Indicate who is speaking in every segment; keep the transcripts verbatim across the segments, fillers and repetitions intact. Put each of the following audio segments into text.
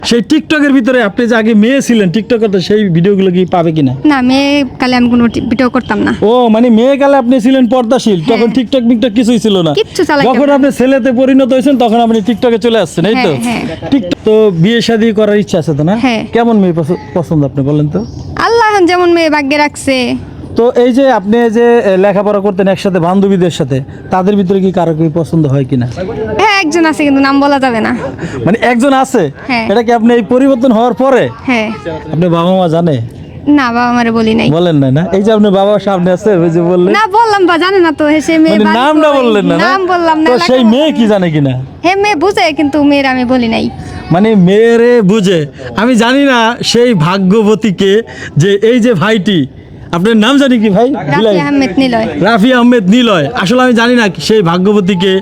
Speaker 1: সেই টিকটকের ভিতরে আপনি যে আগে মেয়ে ছিলেন টিকটক করতে, সেই ভিডিওগুলো কি পাবে কিনা?
Speaker 2: না, মেয়ে কালে আমি কোনো ভিডিও করতাম না।
Speaker 1: ও মানে মেয়ে কালে আপনি ছিলেন পর্দাশীল, তখন টিকটক মিকটক কিছুই ছিল না।
Speaker 2: কিচ্ছু চালাইতাম
Speaker 1: যখন
Speaker 2: না।
Speaker 1: আপনি ছেলেতে পরিণত হয়েছেন তখন আপনি টিকটকে চলে আসছেন, এই তো?
Speaker 2: হ্যাঁ, হ্যাঁ।
Speaker 1: টিকটক তো বিয়ে শাদী করার ইচ্ছা আছে তো না?
Speaker 2: হ্যাঁ।
Speaker 1: কেমন মেয়ে পছ- পছন্দ আপনি বলেন তো?
Speaker 2: আল্লাহ এখন যেমন মেয়ে ভাগ্যে রাখছে।
Speaker 1: তো এই যে আপনি যে এ, লেখাপড়া করতেন একসাথে বান্ধবীদের সাথে, তাদের ভিতরে কি কারো কি পছন্দ হয় কিনা?
Speaker 2: হ্যাঁ, একজন আছে কিন্তু নাম বলা যাবে না।
Speaker 1: মানে একজন আছে,
Speaker 2: হ্যাঁ।
Speaker 1: এটা কি আপনি এই পরিবর্তন হওয়ার পরে
Speaker 2: হ্যাঁ।
Speaker 1: আপনি বাবা মা জানে?
Speaker 2: না, বাবা মারে বলি নাই।
Speaker 1: বলেন না না, এই যে আপনি বাবার সামনে আছে ওই যে বললেন,
Speaker 2: না বললাম বা জানে না তো, হে সে মেয়ে
Speaker 1: মানে
Speaker 2: বাড়ি
Speaker 1: নামটা
Speaker 2: কই?
Speaker 1: বললেন না না?
Speaker 2: নাম বললাম না।
Speaker 1: তো
Speaker 2: এলাকা
Speaker 1: সেই
Speaker 2: বললাম
Speaker 1: মেয়ে কি
Speaker 2: না।
Speaker 1: জানে কিনা?
Speaker 2: হে মেয়ে বুঝে কিন্তু মেয়ের আমি বলি নাই।
Speaker 1: মানে মেয়েরে বুঝে, আমি জানি না সেই ভাগ্যবতীকে যে এই যে ভাইটি, আপনার নাম জানি কি ভাই?
Speaker 2: রাফি আহমেদ নিলয়।
Speaker 1: রাফি আহমেদ নিলয়। আসলে আমি জানি না সেই ভাগ্যবতীকে,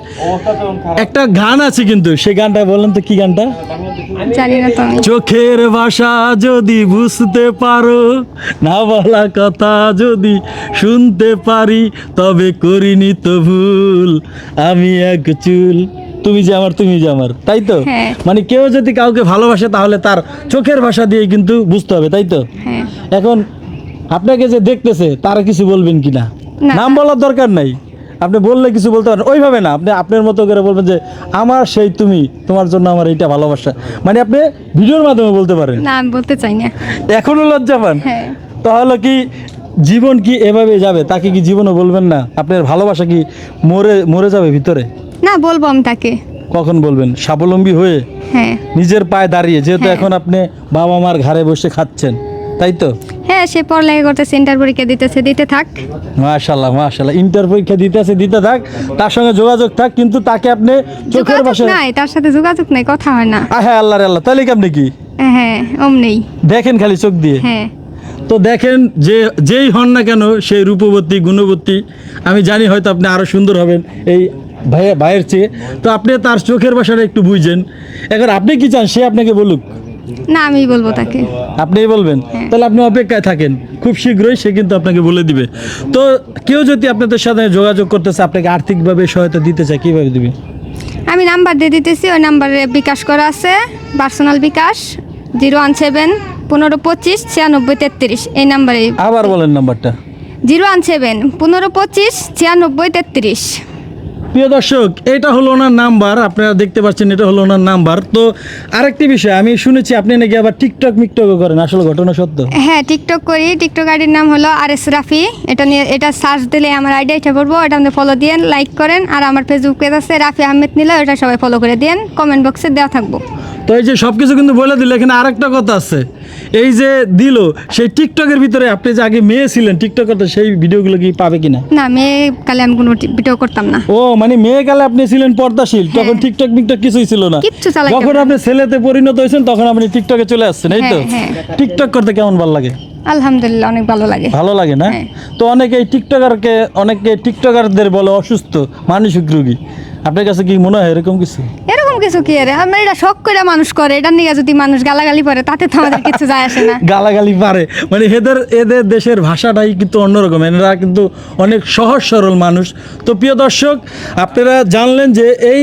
Speaker 1: একটা গান আছে কিন্তু সেই গানটা বলেন তো, কি গানটা?
Speaker 2: জানি না তো আমি।
Speaker 1: চোখের ভাষা যদি বুঝতে পারো, না বলা কথা যদি শুনতে পারি, তবে করিনি তো ভুল আমি এক চুল, তুমি যে আমার তুমি যে আমার, তাই তো?
Speaker 2: হ্যাঁ।
Speaker 1: মানে কেউ যদি কাউকে ভালোবাসে তাহলে তার চোখের ভাষা দিয়ে কিন্তু বুঝতে হবে, তাই তো?
Speaker 2: হ্যাঁ।
Speaker 1: এখন আপনাকে যে দেখতেছে তারা কিছু বলবেন কিনা?
Speaker 2: না।
Speaker 1: নাম বলার দরকার নাই, আপনি বললে কিছু বলতে পারেন, ওইভাবে না, আপনি আপনার মতো করে বলবেন যে আমার সেই তুমি, তোমার জন্য আমার এইটা ভালোবাসা, মানে আপনি ভিডিওর মাধ্যমে বলতে পারেন।
Speaker 2: না, আমি বলতে চাই না।
Speaker 1: এখনো লজ্জা পান?
Speaker 2: হ্যাঁ।
Speaker 1: তাহলে কি জীবন কি এভাবে যাবে? তাকে কি জীবনও বলবেন না? আপনার ভালোবাসা কি মরে মরে যাবে ভিতরে?
Speaker 2: না, বলবো আমি তাকে।
Speaker 1: কখন বলবেন? স্বাবলম্বী হয়ে,
Speaker 2: হ্যাঁ।
Speaker 1: নিজের পায়ে দাঁড়িয়ে, যেহেতু
Speaker 2: হ্যাঁ।
Speaker 1: এখন আপনি বাবা মার ঘাড়ে বসে খাচ্ছেন, তাই তো?
Speaker 2: হ্যাঁ, সে পড়ালেখা করতেছে, ইন্টার পরীক্ষা দিতেছে, দিতে থাক।
Speaker 1: মাশাআল্লাহ মাশাআল্লাহ, ইন্টার পরীক্ষা দিতে আছে, দিতে থাক, তার সঙ্গে যোগাযোগ থাক, কিন্তু তাকে আপনি চোখের
Speaker 2: যোগাযোগ
Speaker 1: ভাষায়,
Speaker 2: নাই, তার সাথে যোগাযোগ নাই, কথা হয় না।
Speaker 1: হ্যাঁ আল্লাহ রে আল্লাহ, তাহলে কি আপনি কি
Speaker 2: হ্যাঁ, অম নেই।
Speaker 1: দেখেন খালি চোখ দিয়ে?
Speaker 2: হ্যাঁ।
Speaker 1: তো দেখেন, যে যেই হন না কেন সেই রূপবতী গুণবতী, আমি জানি হয়তো আপনি আরো সুন্দর হবেন এই ভাইয়ের ভাইয়ের চেয়ে, তো আপনি তার চোখের ভাষাটা একটু বুঝছেন। এখন আপনি কি চান সে আপনাকে বলুক?
Speaker 2: না, আমি বলবো তাকে।
Speaker 1: আপনিই বলবেন? তাহলে আপনি অপেক্ষায় থাকেন, খুব শীঘ্রই সে কিন্তু আপনাকে বলে দিবে। তো কেউ যদি আপনাদের সাথে যোগাযোগ করতেছে, আপনাকে আর্থিকভাবে সহায়তা দিতে চায়, কিভাবে দিবে?
Speaker 2: আমি নাম্বার দিয়ে দিতেছি, ওই নাম্বারে বিকাশ করা আছে, personal bKash zero one seven পনেরো পঁচিশ ছিয়ানব্বই তেত্রিশ, এই নাম্বারে।
Speaker 1: আবার বলেন নাম্বারটা।
Speaker 2: জিরো ওয়ান সেভেন পনেরো পঁচিশ ছিয়ানব্বই তেত্রিশ।
Speaker 1: প্রিয় দর্শক, এটা হলো ওনার নাম্বার, আপনারা দেখতে পাচ্ছেন, এটা হলো ওনার নাম্বার। তো আরেকটি বিষয়, আমি শুনেছি আপনি নাকি আবার টিকটক মিকটকও করেন, আসলে ঘটনা সত্য?
Speaker 2: হ্যাঁ, টিকটক করি। টিকটক আইডির নাম হলো আর এস রাফি। এটা নিয়ে, এটা সার্চ দিলে আমার আইডি এটা পড়বো, এটা আপনি ফলো দিয়েন, লাইক করেন। আর আমার ফেসবুক পেজ আছে রাফি আহমেদ নিলয়, ওটা সবাই ফলো করে দিয়েন, কমেন্ট বক্সে দেওয়া থাকবো।
Speaker 1: তো এই যে সব কিছু কিন্তু বলে দিল, এখানে আরেকটা কথা আছে, এই যে দিল সেই টিকটকের ভিতরে আপনি যে আগে মেয়ে ছিলেন টিকটক করতে, সেই ভিডিওগুলো কি পাবে কিনা?
Speaker 2: না, মেয়ে কালে আমি কোনো ভিডিও করতাম না।
Speaker 1: ও মানে মেয়ে কালে আপনি ছিলেন পর্দাশীল, তখন টিকটক মিকটক কিছুই ছিল না।
Speaker 2: কিচ্ছু চালাইতাম
Speaker 1: যখন
Speaker 2: না।
Speaker 1: আপনি ছেলেতে পরিণত হয়েছেন তখন আপনি টিকটকে চলে আসছেন, এই তো?
Speaker 2: হ্যাঁ,
Speaker 1: টিকটক করতে কেমন ভালো লাগে?
Speaker 2: আলহামদুলিল্লাহ, অনেক ভালো লাগে।
Speaker 1: ভালো লাগে না?
Speaker 2: হ্যাঁ।
Speaker 1: তো অনেকে এই টিকটকারকে, অনেকে টিকটকারদের বলে অসুস্থ মানসিক রোগী, আপনার কাছে কি মনে হয় এরকম কিছু?
Speaker 2: এরকম কিছু কি আরে, আমরা এটা শখ করে মানুষ করে, এটা নিয়ে যদি মানুষ গালাগালি করে তাতে তো আমাদের কিছু যায় আসে না।
Speaker 1: গালাগালি পারে মানে এদের এদের দেশের ভাষাটাই কিন্তু অন্যরকম, এরা কিন্তু অনেক সহজ সরল মানুষ। তো প্রিয় দর্শক, আপনারা জানলেন যে এই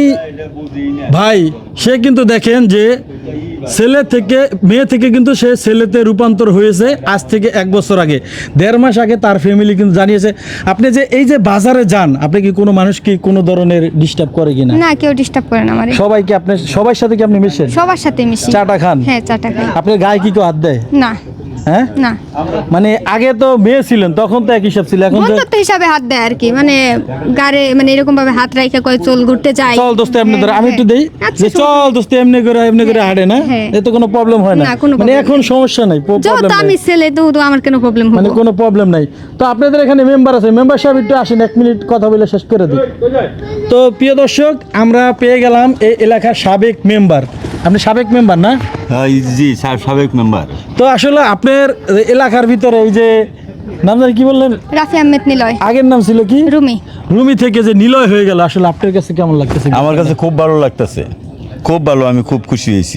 Speaker 1: ভাই, সে কিন্তু দেখেন যে ছেলে থেকে মেয়ে থেকে কিন্তু সে ছেলেতে রূপান্তর হয়েছে আজ থেকে এক বছর আগে, দেড় মাস আগে তার ফ্যামিলি কিন্তু জানিয়েছে। আপনি যে এই যে বাজারে যান, আপনি কি কোনো মানুষ কি কোনো ধরনের ডিস্টার্ব করে কিনা?
Speaker 2: না, কেউ ডিস্টার্ব করে না আমারে।
Speaker 1: সবাই কি আপনি সবার সাথে কি আপনি মিশেন?
Speaker 2: সবার সাথে মিশি।
Speaker 1: চাটা খান?
Speaker 2: হ্যাঁ, চাটা খাই।
Speaker 1: আপনার গায়ে কি কেউ হাত দেয়?
Speaker 2: না।
Speaker 1: হ্যাঁ,
Speaker 2: না,
Speaker 1: মানে আগে তো মেয়ে ছিলেন তখন তো এক হিসাব ছিল, এখন তো
Speaker 2: বন্ধুত্ব হিসাবে হাত দেয় আর কি, মানে গাড়ে মানে এরকম ভাবে হাত রাখা কয় চল ঘুরতে যাই,
Speaker 1: চল দোস্ত এমনি ধরে, আমি একটু দেই
Speaker 2: আচ্ছা,
Speaker 1: যে চল দোস্ত এমনি করে এমনি করে হাঁটে না,
Speaker 2: হ্যাঁ।
Speaker 1: এতে কোনো প্রবলেম হয় না,
Speaker 2: না, কোনো
Speaker 1: মানে
Speaker 2: problem
Speaker 1: এখন সমস্যা নাই, প-
Speaker 2: যেহেতু
Speaker 1: problem
Speaker 2: আমি
Speaker 1: নাই।
Speaker 2: ছেলে তো তো আমার কেন প্রবলেম
Speaker 1: মানে
Speaker 2: হবে?
Speaker 1: কোনো প্রবলেম নাই। তো আপনাদের এখানে মেম্বার আছে, মেম্বার সাহেব একটু আসেন, এক মিনিট কথা বলে শেষ করে দিই। তো প্রিয় দর্শক, আমরা পেয়ে গেলাম এই এলাকার সাবেক মেম্বার। আপনি সাবেক মেম্বার না?
Speaker 3: হ্যাঁ, জি সা- সাবেক মেম্বার।
Speaker 1: তো আসলে আপনার এলাকার ভিতরে এই যে নাম জানি কি বললেন,
Speaker 2: রাফি আহমেদ নিলয়।
Speaker 1: আগের নাম ছিল কি?
Speaker 2: রুমি।
Speaker 1: রুমি থেকে যে নিলয় হয়ে গেল, আসলে আপনার কাছে কেমন লাগতেছে?
Speaker 3: আমার কাছে খুব ভালো লাগতেছে, খুব ভালো, আমি খুব খুশি হয়েছি।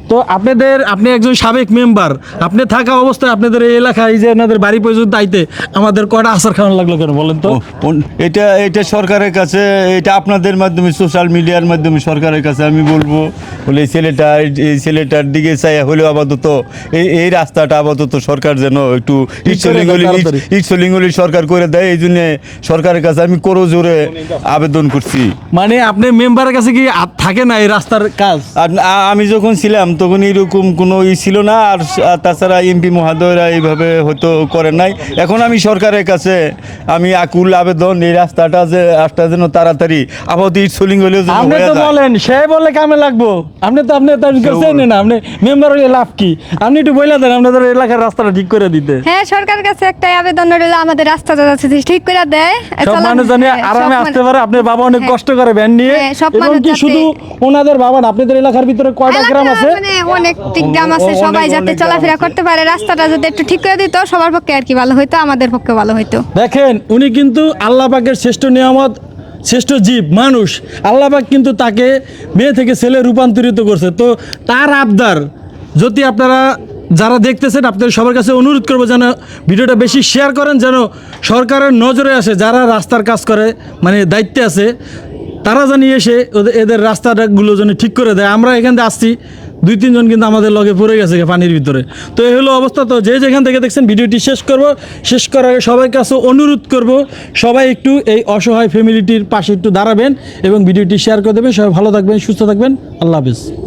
Speaker 1: তো আপনাদের আপনি একজন সাবেক মেম্বার, আপনি থাকা অবস্থায় আপনাদের এই এলাকায় যে আপনাদের বাড়ি পর্যন্ত আইতে আমাদের কয়টা আসার খাওয়ানো লাগলো কেন বলেন তো?
Speaker 3: ও, ওন- এটা এটা সরকারের কাছে, এটা আপনাদের মাধ্যমে, সোশ্যাল মিডিয়ার মাধ্যমে সরকারের কাছে আমি বলবো, বলে এই ছেলেটা এই ছেলেটার দিকে চাই হলেও আপাতত এই এই রাস্তাটা আপাতত সরকার যেন একটু ইটসলিঙ্গলি
Speaker 1: তাড়াতাড়ি।
Speaker 3: ইটসলিঙ্গলি সরকার করে দেয়, এই জন্যে সরকারের কাছে আমি করো জোরে আবেদন করছি।
Speaker 1: মানে আপনি মেম্বারের কাছে কি আ- থাকে না এই রাস্তার কাজ?
Speaker 3: আর আ- আমি যখন ছিলাম তখন এরকম কোনো ই ছিল না, আর আর তাছাড়া এমপি মহোদয়রা এইভাবে হয়তো করেন নাই। এখন আমি সরকারের কাছে আমি আকুল আবেদন, এই রাস্তাটা যে রাস্তা যেন তাড়াতাড়ি আপাতত ইটসলিং হলেও যেন
Speaker 1: আপনি
Speaker 3: হয়ে
Speaker 1: তো
Speaker 3: যায়।
Speaker 1: বলেন সে বলে কামে লাগবো, আপনি তো আপনি তার কাছে না, আপনি মেম্বার হলে লাভ কি? আপনি একটু বলে দেন আপনাদের এলাকার রাস্তাটা ঠিক করে দিতে।
Speaker 2: হ্যাঁ, সরকারের কাছে একটাই আবেদন রইল, আমাদের রাস্তাটা যাতে ঠিক করে দেয়।
Speaker 1: সব
Speaker 2: চলার-
Speaker 1: মানুষ জানি
Speaker 2: হ্যাঁ, সব
Speaker 1: আরামে
Speaker 2: মানুষ-
Speaker 1: আসতে পারে। আপনার বাবা অনেক
Speaker 2: হ্যাঁ।
Speaker 1: কষ্ট করে ভ্যান নিয়ে,
Speaker 2: হ্যাঁ, সব
Speaker 1: এবং
Speaker 2: মানুষ
Speaker 1: কি
Speaker 2: যাতে-
Speaker 1: শুধু ওনাদের বাবা না, আপনাদের এলাকার ভিতরে কয়টা গ্রাম
Speaker 2: এলাকা
Speaker 1: আছে?
Speaker 2: মানে অনেকটি গ্রাম আছে,
Speaker 3: অনেক-
Speaker 2: সবাই যাতে
Speaker 3: অনেক গ্রাম
Speaker 2: চলাফেরা
Speaker 3: আছে।
Speaker 2: করতে পারে, রাস্তাটা যদি একটু ঠিক করে দিত সবার পক্ষে আর কি ভালো হইতো, আমাদের পক্ষে ভালো হইতো।
Speaker 1: দেখেন উনি কিন্তু আল্লাহ পাকের শ্রেষ্ঠ নিয়ামত, শ্রেষ্ঠ জীব মানুষ। আল্লাহ পাক কিন্তু তাকে মেয়ে থেকে ছেলে রূপান্তরিত করছে। তো তার আবদার যদি আপনারা যারা দেখতেছেন, আপনাদের সবার কাছে অনুরোধ করবো যেন ভিডিওটা বেশি শেয়ার করেন, যেন সরকারের নজরে আসে, যারা রাস্তার কাজ করে মানে দায়িত্বে আছে, তারা জানি এসে ওদের এদের রাস্তাগুলো যেন ঠিক করে দেয়। আমরা এখান থেকে আসছি, দুই তিনজন কিন্তু আমাদের লগে পড়ে গেছে পানির ভিতরে। তো এই হলো অবস্থা। তো যে যেখান থেকে দেখছেন ভিডিওটি শেষ করব, শেষ করার আগে সবার কাছে অনুরোধ করব সবাই একটু এই অসহায় ফ্যামিলিটির পাশে একটু দাঁড়াবেন এবং ভিডিওটি শেয়ার করে দেবেন। সবাই ভালো থাকবেন, সুস্থ থাকবেন, আল্লাহ হাফেজ।